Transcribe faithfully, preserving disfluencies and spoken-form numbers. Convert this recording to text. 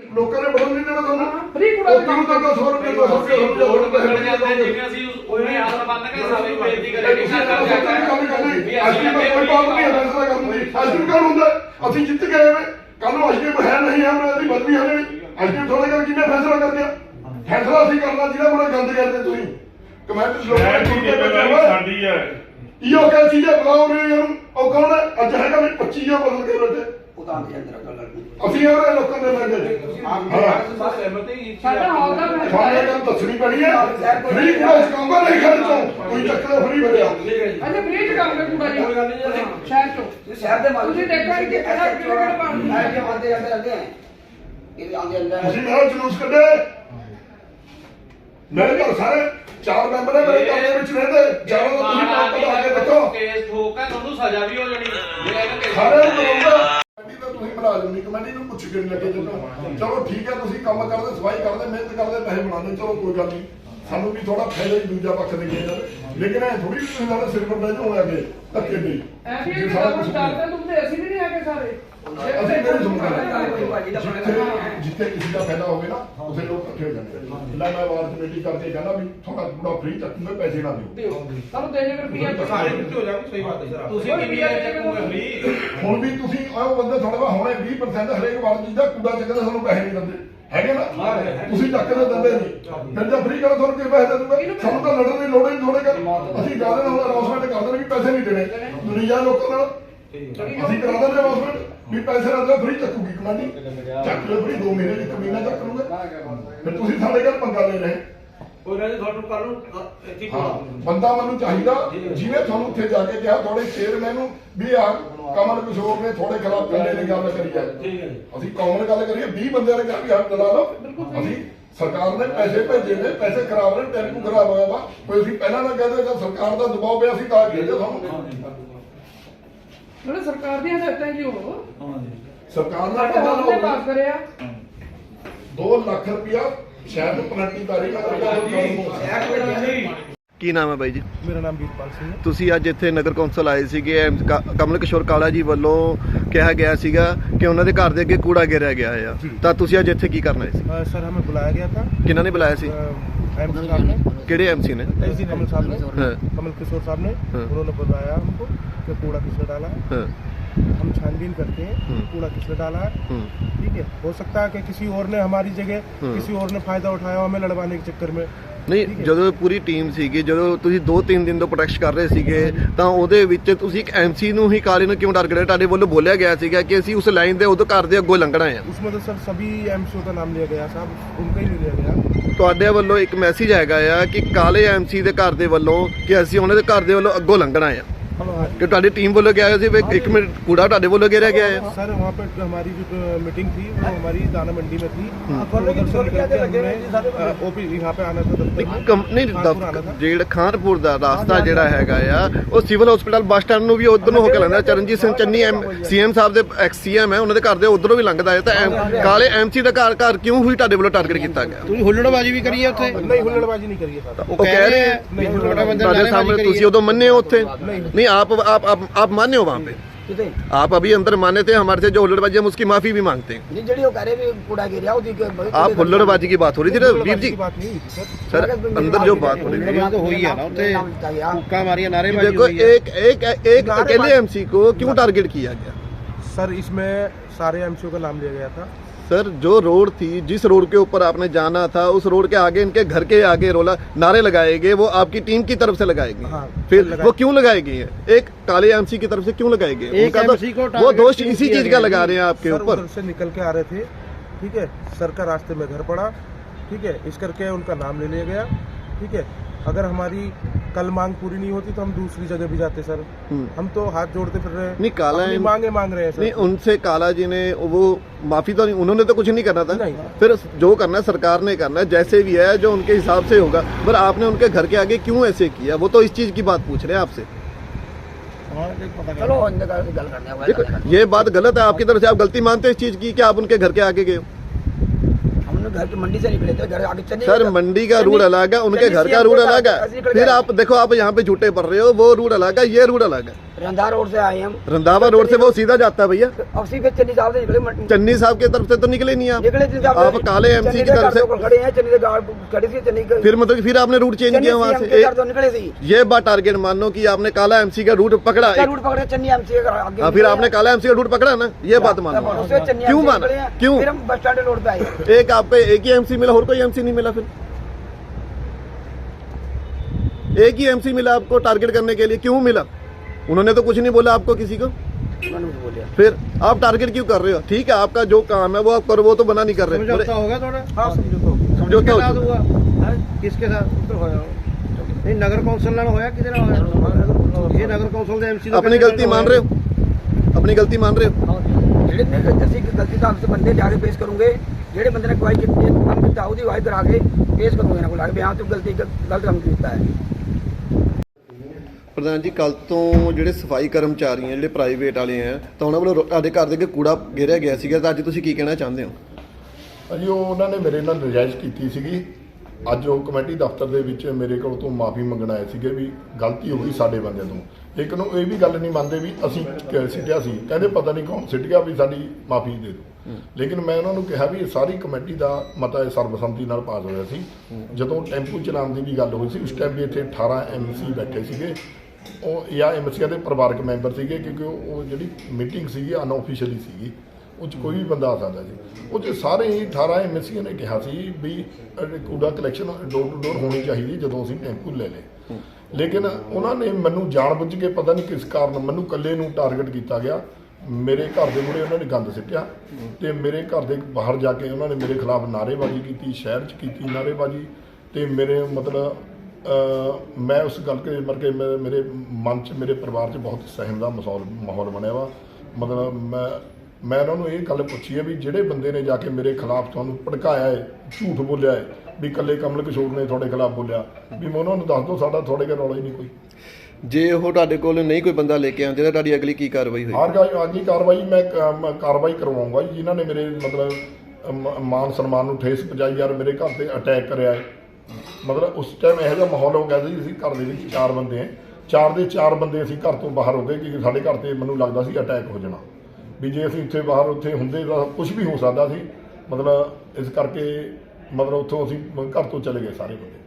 ਲੋਕਾਂ ਨੇ ਬਦਲ ਨਹੀਂ ਦੇਣਾ ਤੁਹਾਨੂੰ ਫ੍ਰੀ ਕੂੜਾ ਉਹ ਤੁਹਾਨੂੰ ਤਾਂ ਸੌ ਰੁਪਏ ਦੋ ਸੌ ਰੁਪਏ ਵੋਟ ਮੰਗਣ ਜਾਂਦੇ ਜਿਵੇਂ ਅਸੀਂ ਉਹਨੇ ਆਸ ਬੰਦ ਕੇ ਸਾਰੀ ਬੇਇੱਜ਼ਤੀ ਕਰੇ ਕਿ ਸਰਕਾਰ ਜਾ ਅਸੀਂ ਕੋਈ ਬਾਤ ਨਹੀਂ ਫੈਸਲਾ ਕਰਨ ਦੀ ਅਸੀਂ ਕੌਣ ਹੁੰਦਾ ਅਸੀਂ ਜਿੱਤ ਗਏ ਵੇ ਕੱਲ ਨੂੰ ਅਸੀਂ ਹੈ ਨਹੀਂ ਹੈ ਉਹਦੀ ਬਦਲੀ ਹੋਣੀ ਅਸੀਂ ਥੋੜਾ ਜਿਹਾ ਕਿਵੇਂ ਫੈਸਲਾ ਕਰਦੇ ਆ ਫੈਸਲਾ ਅਸੀਂ ਕਰਨਾ ਜਿਹਦਾ ਬੜਾ ਗੰਦ ਕਰਦੇ ਤੁਸੀਂ ਕਮੈਂਟ ਲੋਕਾਂ ਸਾਡੀ ਹੈ ਇਹੋ ਕਿਹ ਚੀਜ਼ਾਂ ਬੁਲਾਓ ਨੇ ਇਹਨੂੰ ਉਹ ਕੌਣ ਹੈ ਅੱਜ ਹੈਗਾ ਵੀ ਪੱਚੀ ਜਾਂ ਬਦਲ ਕੇ ਬੈਠੇ ਅਸੀਂ ਇਹ ਲੋਕਾਂ ਦੇ ਮੰਗੇ ਸਾਡਾ ਹਾਲ ਦਾ ਫੈਸਲਾ ਸਾਰੇ ਹੈ। ਗੱਲ ਦੱਸਣੀ ਪੈਣੀ ਹੈ ਫ੍ਰੀ ਕੂੜਾ ਚਕਾਉਂਦਾ ਨਹੀਂ ਖਰਚੋਂ ਕੋਈ ਚੱਕਰ ਫ੍ਰੀ ਭਰਿਆ ਅੱਛਾ ਫ੍ਰੀ ਚ ਕੰਮ ਕਰ ਕੂੜਾ ਜੀ ਸ਼ਹਿਰ ਚੋਂ ਸ਼ਹਿਰ ਦੇ ਮਾਲਕ ਤੁਸੀਂ ਦੇਖਿਆ ਕਿ ਕਿਹੜਾ ਕਿਹੜਾ ਪਾਣੀ ਆਏ ਕੇ ਆਉਂਦੇ ਆਉਂਦੇ ਆਉਂਦੇ ਹੈ ਇਹ ਆਉਂਦੇ ਅੰਦਰ ਤੁਸੀਂ ਮੇਰਾ ਜਲੂਸ ਕੱਢੇ ਮੇਰੇ ਘਰ ਸਾਰੇ ਚਾਰ ਮੈਂਬਰ ਹੈ ਮੇਰੇ ਘਰ ਦੇ ਵਿੱਚ ਰਹਿੰਦੇ ਜਾਣੋ ਤਾਂ ਤੁਸੀਂ ਕੰਮ ਕਰਾ ਕੇ ਦੇਖੋ ਕੇਸ ਠੋਕ ਕੇ ਤੁਹਾਨੂੰ ਸਜ਼ਾ ਵੀ ਹੋ ਜਾਣੀ ਜੇ ਇਹ ਕੇਸ ਸਾਰੇ ਨੂੰ ਕਰਾਉਂਦਾ ਕਮੇਟੀ ਤਾਂ ਤੁਸੀਂ ਬਣਾ ਲੈਣੀ ਕਮੇਟੀ ਨੂੰ ਪੁੱਛ ਕੇ ਨਹੀਂ ਲੱਗੇ ਜਦੋਂ ਚਲੋ ਠੀਕ ਹੈ ਤੁਸੀਂ ਕੰਮ ਕਰਦੇ ਸਫਾਈ ਕਰਦੇ ਮਿਹਨਤ ਕਰਦੇ ਪੈਸੇ ਬਣਾਉਂਦੇ ਚਲੋ ਕੋਈ ਗੱਲ ਨਹੀਂ ਸਾਨੂੰ ਵੀ ਥੋੜਾ ਫਾਇਦਾ ਹੀ ਦੂਜਾ ਪੱਖ ਦੇ ਗਿਆ ਲੇਕਿਨ ਇਹ ਥੋੜੀ ਤੁਸੀਂ ਸਾਡੇ ਸਿਰ ਪਰ ਬੈਠ ਹੋ ਗਏ ਧੱਕੇ ਨਹੀਂ ਐਸੀ ਕਿ ਕੰਮ ਸਟਾਰਟ ਤੁਮਦੇ ਅਸੀਂ ਵੀ ਨਹੀਂ ਆਗੇ ਸਾਰੇ ਅਸੀਂ ਨਹੀਂ ਸੁਣਦੇ ਜਿੱਥੇ ਕਿਸੇ ਦਾ ਫਾਇਦਾ ਹੋਵੇ ਨਾ ਉਸੇ ਲੋਕ ਇਕੱਠੇ ਹੋ ਜਾਂਦੇ ਲੈ ਮੈਂ ਵਾਰ ਕਮੇਟੀ ਕਰਕੇ ਕਹਿੰਦਾ ਵੀ ਥੋੜਾ ਥੋੜਾ ਫ੍ਰੀ ਚੱਕੂਗੇ ਪੈਸੇ ਨਾ ਦਿਓ ਸਾਨੂੰ ਦੇ ਜੇ ਰੁਪਿਆ ਸਾਰੇ ਕਿੱਥੇ ਹੋ ਜਾਵੇ ਸਹੀ ਬਾਤ ਹੈ ਸਰ ਤੁਸੀਂ ਕਿੰਨੀ ਚੱਕੋਗੇ ਫ੍ਰੀ ਹੁਣ ਵੀ ਤੁਸੀਂ ਉਹ ਬੰਦੇ ਥੋੜਾ ਵਾ ਹੁਣੇ ਵੀਹ ਪਰਸੈਂਟ ਹਰੇਕ ਵਾਰ ਚੀਜ਼ ਦਾ ਕੂੜਾ ਚੱਕਦੇ ਸਾਨੂੰ ਪੈਸੇ ਨਹੀਂ ਦਿੰਦੇ ਹੈਗੇ ਨਾ ਤੁਸੀਂ ਚੱਕ ਕੇ ਦਿੰਦੇ ਨਹੀਂ ਫਿਰ ਜੇ ਫ੍ਰੀ ਕਰੋ ਤੁਹਾਨੂੰ ਕੀ ਪੈਸੇ ਦੇ ਦੂਗੇ ਸਾਨੂੰ ਤਾਂ ਲੜਨ ਦੀ ਲੋੜ ਹੀ ਥੋੜੇ ਕਰ ਅਸੀਂ ਕਹਿੰਦੇ ਹਾਂ ਅਨਾਉਂਸਮੈਂਟ ਕਰ ਦੇਣ ਵੀ ਪੈਸੇ ਨਹੀਂ ਦੇਣੇ ਦੁਨੀਆ ਲੋਕਾਂ ਨਾਲ ਅਸੀਂ ਕਰਾ ਦਿੰਦੇ ਅਨਾਉਂਸਮੈਂਟ ਵੀ ਪੈਸੇ ਨਾ ਦਿਓ ਫ੍ਰੀ ਚੱਕੂਗੀ ਕਮਾਂਡੀ ਚੱਕ ਲਓ ਫ੍ਰੀ ਦੋ ਮਹੀਨੇ ਇੱਕ ਮਹੀਨਾ ਚੱਕ ਲੂਗੇ ਫਿਰ ਤੁਸੀਂ ਸਾਡੇ ਘਰ ਪੰਗਾ ਲੈ ਰਹੇ ਉਹਨਾਂ ਨੇ ਤੁਹਾਨੂੰ ਕੱਲ ਨੂੰ ਇੱਥੇ ਹਾਂ ਬੰਦਾ ਮੈਨੂੰ ਚਾਹੀਦਾ ਜਿਵੇਂ ਤੁਹਾਨੂੰ ਉੱਥੇ ਜਾ ਕੇ ਕਿਹਾ ਤੁਹਾਡੇ ਚੇਅਰਮੈਨ ਨੂੰ ਵੀ ਆ ਕਮਲ ਕਿਸ਼ੋਰ ਨੇ ਤੁਹਾਡੇ ਖਿਲਾਫ ਕੰਡੇ ਦੀ ਗੱਲ ਕਰੀ ਹੈ ਅਸੀਂ ਕਾਮਨ ਗੱਲ ਕਰੀਏ ਵੀਹ ਬੰਦਿਆਂ ਨੇ ਕਿਹਾ ਵੀ ਹੱਥ ਲਾ ਲਓ ਅਸੀਂ ਸਰਕਾਰ ਨੇ ਪੈਸੇ ਭੇਜੇ ਨੇ ਪੈਸੇ ਖਰਾਬ ਨੇ ਟੈਂਪੂ ਖਰਾਬ ਹੋਇਆ ਵਾ ਕੋਈ ਅਸੀਂ ਪਹਿਲਾਂ ਨਾ ਕਹਦੇ ਜਦ ਸਰਕਾਰ ਦਾ ਦਬਾਅ ਪਿਆ ਸੀ ਤਾਂ ਭੇਜੇ ਤੁਹਾਨੂੰ ਜਿਹੜੇ ਸਰਕਾਰ ਦੀਆਂ ਹਦਾਇਤਾਂ ਜੀ ਉਹ ਸਰਕਾਰ ਨੇ ਸਾਡੇ ਪਤਾ ਹਾਲ ਨੇ ਪਾਸ ਕਰਿਆ ਦੋ ਲੱਖ ਰੁਪਇਆ ਸ਼ਾਇਦ ਪਲੰਟੀ ਤਾਰੀਖ ਕੀ ਨਾਮ ਹੈ ਬਾਈ ਜੀ? ਮੇਰਾ ਨਾਮ ਵੀਰਪਾਲ ਸਿੰਘ ਹੈ। ਤੁਸੀਂ ਅੱਜ ਇੱਥੇ ਨਗਰ ਕੌਂਸਲ ਆਏ ਸੀਗੇ ਐਮ- ਕ- ਕਮਲ ਕਿਸ਼ੋਰ ਕਾਲਾ ਜੀ ਵੱਲੋਂ ਕਿਹਾ ਗਿਆ ਸੀਗਾ ਕਿ ਉਹਨਾਂ ਦੇ ਘਰ ਦੇ ਅੱਗੇ ਕੂੜਾ ਗਿਰਿਆ ਗਿਆ ਆ ਤਾਂ ਤੁਸੀਂ ਅੱਜ ਇੱਥੇ ਕੀ ਕਰਨਾ ਸੀ? अ, सर हमें बुलाया गया था ਕਿਹਨਾਂ ਨੇ ਬੁਲਾਇਆ ਸੀ? एम सी साहब ने ਕਿਹੜੇ ਐਮਸੀ ਨੇ? एसी कमल साहब ने हाँ। कमल किशोर साहब ने हाँ। उन्होंने बताया हमको कि कूड़ा किसने डाला है। ਹਾਂ हम छानबीन करते हैं हाँ। कूड़ा किसने डाला है। ਹੂੰ ठीक है, हो सकता है कि किसी और ने हमारी जगह हाँ। किसी और ने फायदा उठाया हमें लड़वाने के चक्कर में। ਨਹੀਂ ਜਦੋਂ ਪੂਰੀ ਟੀਮ ਸੀਗੀ ਜਦੋਂ ਤੁਸੀਂ ਦੋ ਤਿੰਨ ਦਿਨ ਤੋਂ ਪ੍ਰੋਟੈਕਟ ਕਰ ਰਹੇ ਸੀਗੇ ਤਾਂ ਉਹਦੇ ਵਿੱਚ ਤੁਸੀਂ ਇੱਕ ਐਮਸੀ ਨੂੰ ਹੀ ਕਾਲੇ ਨੂੰ ਕਿਉਂ ਟਾਰਗੇਟ ਤੁਹਾਡੇ ਵੱਲੋਂ ਬੋਲਿਆ ਗਿਆ ਸੀਗਾ ਕਿ ਅਸੀਂ ਉਸ ਲਾਈਨ ਦੇ ਉਹਦੇ ਘਰ ਦੇ ਅੱਗੋਂ ਲੰਘਣਾ ਆ उसमें तो सर सभी एमसीओ का नाम लिया गया साहब, उनका ही नहीं लिया गया। ਤੁਹਾਡੇ ਵੱਲੋਂ ਇੱਕ ਮੈਸੇਜ ਹੈਗਾ ਆ ਕਿ ਕਾਲੇ ਐਮਸੀ ਦੇ ਘਰ ਦੇ ਵੱਲੋਂ ਕਿ ਅਸੀਂ ਉਹਨਾਂ ਦੇ ਘਰ ਦੇ ਵੱਲੋਂ ਅੱਗੋਂ ਲੰਘਣਾ ਆ हाँ। ਕਿ ਤੁਹਾਡੀ ਟੀਮ ਵੱਲੋਂ ਕਿਹਾ ਸੀ ਵੀ ਇੱਕ ਮਿੰਟ ਕੂੜਾ ਤੁਹਾਡੇ ਵੱਲੋਂ ਗਿਰਿਆ ਗਿਆ ਹੈ सर वहाँ पे हमारी जो मीटिंग थी वो हमारी दाना मंडी में थी। हाँ। उधर से निकल के हमने ओपी यहाँ पे आना था दफ्तर। ਕੰਪਨੀ ਜਿਹੜਾ ਖਾਨਪੁਰ ਦਾ ਰਾਸਤਾ ਜਿਹੜਾ ਹੈਗਾ ਆ ਉਹ ਸਿਵਲ ਹਸਪੀਟਲ ਬੱਸ ਸਟੈਂਡ ਨੂੰ ਵੀ ਉਧਰ ਨੂੰ ਹੋ ਕੇ ਲੰਘਦਾ ਚਰਨਜੀਤ ਸਿੰਘ ਚੰਨੀ ਸੀਐਮ ਸਾਹਿਬ ਦੇ ਐਕਸ ਸੀਐਮ ਹੈ ਉਹਨਾਂ ਦੇ ਘਰ ਦੇ ਉਧਰੋਂ ਵੀ ਲੰਘਦਾ ਹੈ ਤਾਂ ਐਮ- ਕਾਲੇ ਐਮਸੀ ਦਾ ਘਰ ਘਰ ਕਿਉਂ ਹੋਈ ਤੁਹਾਡੇ ਵੱਲੋਂ ਟਾਰਗੇਟ ਕੀਤਾ ਗਿਆ? ਤੁਸੀਂ ਹੁੱਲੜਬਾਜੀ ਵੀ ਕਰੀ ਹੈ ਉੱਥੇ? नहीं हुल्लड़बाजी नहीं करी है सर। ਉਹ ਕਹਿ ਰਹੇ ਹੈ नहीं हुल्लड़बाजी ਤੁਹਾਡੇ ਸਾਹਮਣੇ ਤੁਸੀਂ ਉਦੋਂ ਮੰਨੇ ਹੋ ਉੱਥੇ नहीं। नहीं आप आप आप आप माने हो वहाँ पे आप अभी अंदर माने थे हमारे से जो हुल्लड़बाजी हम उसकी माफी भी मांगते हैं ਨਹੀਂ ਜਿਹੜੀ ਉਹ ਕਹ ਰਹੇ ਵੀ ਕੂੜਾ ਗਿਰਿਆ ਉਹਦੀ आप हुल्लड़बाजी की बात हो रही थी ना वीर जी की बात नहीं हुई थी सर। सर अंदर जो बात हो रही थी तो हुई है ना उत्थे हुक्का मारिया कि नारेबाजी देखो हुई है। एक एक एक अकेले एमसी को क्यों टारगेट किया गया? सर इसमें सारे एमसीओ का नाम लिया गया था। सर जो रोड थी जिस रोड के ऊपर आपने जाना था उस रोड के आगे इनके घर के आगे रोला नारे लगाए गए वो आपकी टीम की तरफ से लगाए गए हाँ, फिर लगाए। वो क्यों लगाए गए हैं एक काले एमसी की तरफ से क्यों लगाए गए? एक उनका तो एमसी को वो टारगेट दोष क्यों इसी किया चीज का गया? लगा रहे हैं आपके सर ऊपर उधर से निकल के आ रहे थे, ठीक है, सर का रास्ते में घर पड़ा, ठीक है, इस करके उनका नाम ले लिया गया। ठीक है, अगर हमारी कल मांग पूरी नहीं होती तो हम दूसरी जगह भी जाते सर। हम तो हाथ जोड़ते फिर रहे हैं, नहीं काला अपनी एम- मांगे मांग रहे हैं नहीं सर। उनसे काला जी ने वो माफी तो नहीं उन्होंने तो कुछ नहीं करना था नहीं। फिर जो करना है सरकार ने करना है जैसे भी है जो उनके हिसाब से होगा पर आपने उनके घर के आगे क्यों ऐसे किया वो तो इस चीज की बात पूछ रहे हैं आपसे। ਚਲੋ ਅੰਦਰ ਗੱਲ ਕਰਨੇ ਆ देखो ये बात गलत है आपकी तरफ से आप गलती मानते हैं इस चीज की कि आप उनके घर के आगे गए हो? हम लोग घर की मंडी से निकले थे, घर आगे चले सर मंडी का रूट अलग है उनके घर का रूट अलग है फिर आप देखो आप यहाँ पे झूठे पड़ रहे हो वो रूट अलग है ये रूट अलग है रंधा रोड से आए हम। रंधावा रोड से वो सीधा जाता है भैया, अब सीधे चन्नी साहब से निकले। चन्नी साहब की तरफ से तो निकले नहीं आप निकले चन्नी साहब आप काले एमसी की तरफ से खड़े हैं। चन्नी से गाड़ खड़ी थी चन्नी के- फिर मतलब कि फिर आपने रूट चेंज किया वहाँ चन्नी से से तो निकले थी। ये बात टारगेट मान लो कि आपने काला एमसी का रूट पकड़ा क्या एक- रूट पकड़े चन्नी एमसी का आगे हाँ, फिर आपने काला एमसी का रूट पकड़ा ना, ये बात मान लो। उससे चन्नी क्यों एमसी माना? निकले हैं। क्यों? फिर हम बस स्टैंड रोड पे आए। एक आपको एक ही एमसी मिला और कोई एमसी नहीं मिला, फिर एक ही एमसी मिला आपको टारगेट करने के लिए, क्यों मिला? उन्होंने तो कुछ नहीं बोला आपको किसी को, फिर आप टारगेट क्यों कर रहे हो? ठीक है, आपका जो काम है वो आप करो, वो तो बना नहीं कर रहे। समझौता होगा थोड़ा? हाँ समझौता समझौता किसके साथ हो हुआ? किसके साथ? नहीं, नगर कौंसिल ਨਾਲ ਹੋਇਆ ਕਿਹਦੇ ਨਾਲ ਹੋਇਆ? ਇਹ ਨਗਰ ਕੌਂਸਲ ਦੇ ਐਮਸੀ अपनी गलती मान रहे हो? अपनी गलती मान रहे हो? ਜਿਹੜੇ ਨੇ ਅਸੀਂ ਗਲਤੀ ਤਾਂ ਆਪਸੇ ਬੰਦੇ ਜਾ ਕੇ ਪੇਸ਼ ਕਰੂੰਗੇ। ਜਿਹੜੇ ਬੰਦੇ ਨੇ ਗਵਾਹੀ ਕੀਤੀ ਹੈ ਕੰਮ ਕੀਤਾ ਉਹਦੀ ਗਵਾਹੀ ਕਰਾ ਕੇ ਪੇਸ਼ ਕਰੂੰਗੇ ਇਹਨਾਂ ਕੋਲ ਆ ਕੇ ਵੀ ਹਾਂ ਤੂੰ ਗਲਤੀ ਗਲਤ ਕੰਮ ਕੀਤਾ ਹੈ। ਪ੍ਰਧਾਨ ਜੀ, ਕੱਲ ਤੋਂ ਜਿਹੜੇ ਸਫਾਈ ਕਰਮਚਾਰੀ ਹੈ ਜਿਹੜੇ ਪ੍ਰਾਈਵੇਟ ਵਾਲੇ ਹੈ ਤਾਂ ਉਹਨਾਂ ਵੱਲੋਂ ਤੁਹਾਡੇ ਘਰ ਦੇ ਅੱਗੇ ਕੂੜਾ ਘੇਰਿਆ ਗਿਆ ਸੀਗਾ, ਤਾਂ ਅੱਜ ਤੁਸੀਂ ਕੀ ਕਹਿਣਾ ਚਾਹੁੰਦੇ ਹੋ? ਅਜੀ ਉਹ ਉਹਨਾਂ ਨੇ ਮੇਰੇ ਨਾਲ ਨਜਾਇਜ਼ ਕੀਤੀ ਸੀਗੀ। ਅੱਜ ਉਹ ਕਮੇਟੀ ਦਫ਼ਤਰ ਦੇ ਵਿੱਚ ਮੇਰੇ ਕੋਲ ਤੋਂ ਮਾਫੀ ਮੰਗਣ ਆਏ ਸੀਗੇ ਵੀ ਗਲਤੀ ਹੋ ਗਈ ਸਾਡੇ ਬੰਦੇ ਤੋਂ। ਇੱਕ ਨੂੰ ਇਹ ਵੀ ਗੱਲ ਨਹੀਂ ਮੰਨਦੇ ਵੀ ਅਸੀਂ ਕ- ਸਿੱਟਿਆ ਸੀ, ਕਹਿੰਦੇ ਪਤਾ ਨਹੀਂ ਕੌਣ ਸਿੱਟ ਗਿਆ, ਵੀ ਸਾਡੀ ਮਾਫੀ ਦੇ ਦਿਓ। ਲੇਕਿਨ ਮੈਂ ਉਹਨਾਂ ਨੂੰ ਕਿਹਾ ਵੀ ਇਹ ਸਾਰੀ ਕਮੇਟੀ ਦਾ ਮਤਾ ਸਰਬਸੰਮਤੀ ਨਾਲ ਪਾਸ ਹੋਇਆ ਸੀ। ਜਦੋਂ ਟੈਂਪੂ ਚਲਾਉਣ ਦੀ ਵੀ ਗੱਲ ਹੋਈ ਸੀ ਉਸ ਟਾਈਮ ਵੀ ਇੱਥੇ ਅਠਾਰਾਂ ਐਮ ਸੀ ਬੈਠੇ ਸੀਗੇ, ਉਹ ਜਾਂ ਐਮ ਸੀਆਂ ਦੇ ਪਰਿਵਾਰਕ ਮੈਂਬਰ ਸੀਗੇ, ਕਿਉਂਕਿ ਉਹ ਉਹ ਜਿਹੜੀ ਮੀਟਿੰਗ ਸੀਗੀ ਅਨਆਫੀਸ਼ੀਅਲੀ ਸੀਗੀ, ਉਹ 'ਚ ਕੋਈ ਵੀ ਬੰਦਾ ਆ ਸਕਦਾ ਸੀ। ਉਹ 'ਚ ਸਾਰੇ ਹੀ ਅਠਾਰਾਂ ਐਮ ਸੀਆਂ ਨੇ ਕਿਹਾ ਸੀ ਵੀ ਅਹ ਕੂੜਾ ਕਲੈਕਸ਼ਨ ਡੋਰ ਟੂ ਡੋਰ ਹੋਣੀ ਚਾਹੀਦੀ ਜਦੋਂ ਅਸੀਂ ਟੈਂਪੂ ਲੈ ਲਏ। ਲੇਕਿਨ ਉਹਨਾਂ ਨੇ ਮੈਨੂੰ ਜਾਣਬੁੱਝ ਕੇ ਪਤਾ ਨਹੀਂ ਕਿਸ ਕਾਰਨ ਮੈਨੂੰ ਇਕੱਲੇ ਨੂੰ ਟਾਰਗੇਟ ਕੀਤਾ ਗਿਆ। ਮੇਰੇ ਘਰ ਦੇ ਮੂਹਰੇ ਉਹਨਾਂ ਨੇ ਗੰਦ ਸਿੱਟਿਆ ਤੇ ਮੇਰੇ ਘਰ ਦੇ ਬਾਹਰ ਜਾ ਕੇ ਉਹਨਾਂ ਨੇ ਮੇਰੇ ਖਿਲਾਫ ਨਾਅਰੇਬਾਜ਼ੀ ਕੀਤੀ, ਸ਼ਹਿਰ 'ਚ ਕੀਤੀ ਨਾਅਰੇਬਾਜ਼ੀ, ਤੇ ਮੇਰੇ ਮਤਲਬ ਅਹ ਮੈਂ ਉਸ ਗੱਲ ਕੇ ਮਰ ਕੇ ਮੇਰੇ ਮੇਰੇ ਮਨ 'ਚ ਮੇਰੇ ਪਰਿਵਾਰ 'ਚ ਬਹੁਤ ਸਹਿਮ ਦਾ ਮਾਹੌਲ ਮਾਹੌਲ ਬਣਿਆ ਵਾ। ਮਤਲਬ ਮੈਂ ਮੈਂ ਉਹਨਾਂ ਨੂੰ ਇਹ ਗੱਲ ਪੁੱਛੀ ਹੈ ਵੀ ਜਿਹੜੇ ਬੰਦੇ ਨੇ ਜਾ ਕੇ ਮੇਰੇ ਖਿਲਾਫ ਤੁਹਾਨੂੰ ਭੜਕਾਇਆ ਹੈ, ਝੂਠ ਬੋਲਿਆ ਹੈ ਵੀ ਇਕੱਲੇ ਕਮਲ ਕਿਸ਼ੋਰ ਨੇ ਤੁਹਾਡੇ ਖਿਲਾਫ ਬੋਲਿਆ, ਵੀ ਮੈਂ ਉਹਨਾਂ ਨੂੰ ਦੱਸ ਦਿਓ ਸਾਡਾ ਤੁਹਾਡੇ ਕੋਲ ਰੌਲਾ ਹੀ ਨਹੀਂ ਕੋਈ। ਜੇ ਉਹ ਤੁਹਾਡੇ ਕੋਲ ਨਹੀਂ ਕੋਈ ਬੰਦਾ ਲੈ ਕੇ ਆਉਂਦੇ ਤਾਂ ਤੁਹਾਡੀ ਅਗਲੀ ਕੀ ਕਾਰਵਾਈ ਹੋਈ? ਹਰ ਅਗਲੀ ਕਾਰਵਾਈ ਮੈਂ ਕ- ਮੈਂ ਕਾਰਵਾਈ ਕਰਵਾਉਂਗਾ ਜੀ। ਜਿਨ੍ਹਾਂ ਨੇ ਮੇਰੇ ਮਤਲਬ ਮ- ਮਾਨ ਸਨਮਾਨ ਨੂੰ ਠੇਸ ਪਹੁੰਚਾਈ, ਯਾਰ ਮੇਰੇ ਘਰ ਤੇ ਅਟੈਕ ਕਰਿਆ ਹੈ। ਮਤਲਬ ਉਸ ਟਾਈਮ ਇਹੋ ਜਿਹਾ ਮਾਹੌਲ ਹੋ ਗਿਆ ਸੀ, ਅਸੀਂ ਘਰ ਦੇ ਵਿੱਚ ਚਾਰ ਬੰਦੇ ਹਾਂ, ਚਾਰ ਦੇ ਚਾਰ ਬੰਦੇ ਅਸੀਂ ਘਰ ਤੋਂ ਬਾਹਰ ਹੋ ਗਏ ਕਿ ਸਾਡੇ ਘਰ ਤੇ ਮੈਨੂੰ ਲੱਗਦਾ ਸੀ ਅਟੈਕ ਹੋ ਜਾਣਾ, ਵੀ ਜੇ ਅਸੀਂ ਉੱਥੇ ਬਾਹਰ ਉੱਥੇ ਹੁੰਦੇ ਤਾਂ ਕੁਝ ਵੀ ਹੋ ਸਕਦਾ ਸੀ। ਮਤਲਬ ਇਸ ਕਰਕੇ ਮਤਲਬ ਉੱਥੋਂ ਅਸੀਂ ਘਰ ਤੋਂ ਚਲੇ ਗਏ ਸਾਰੇ ਬੰਦੇ।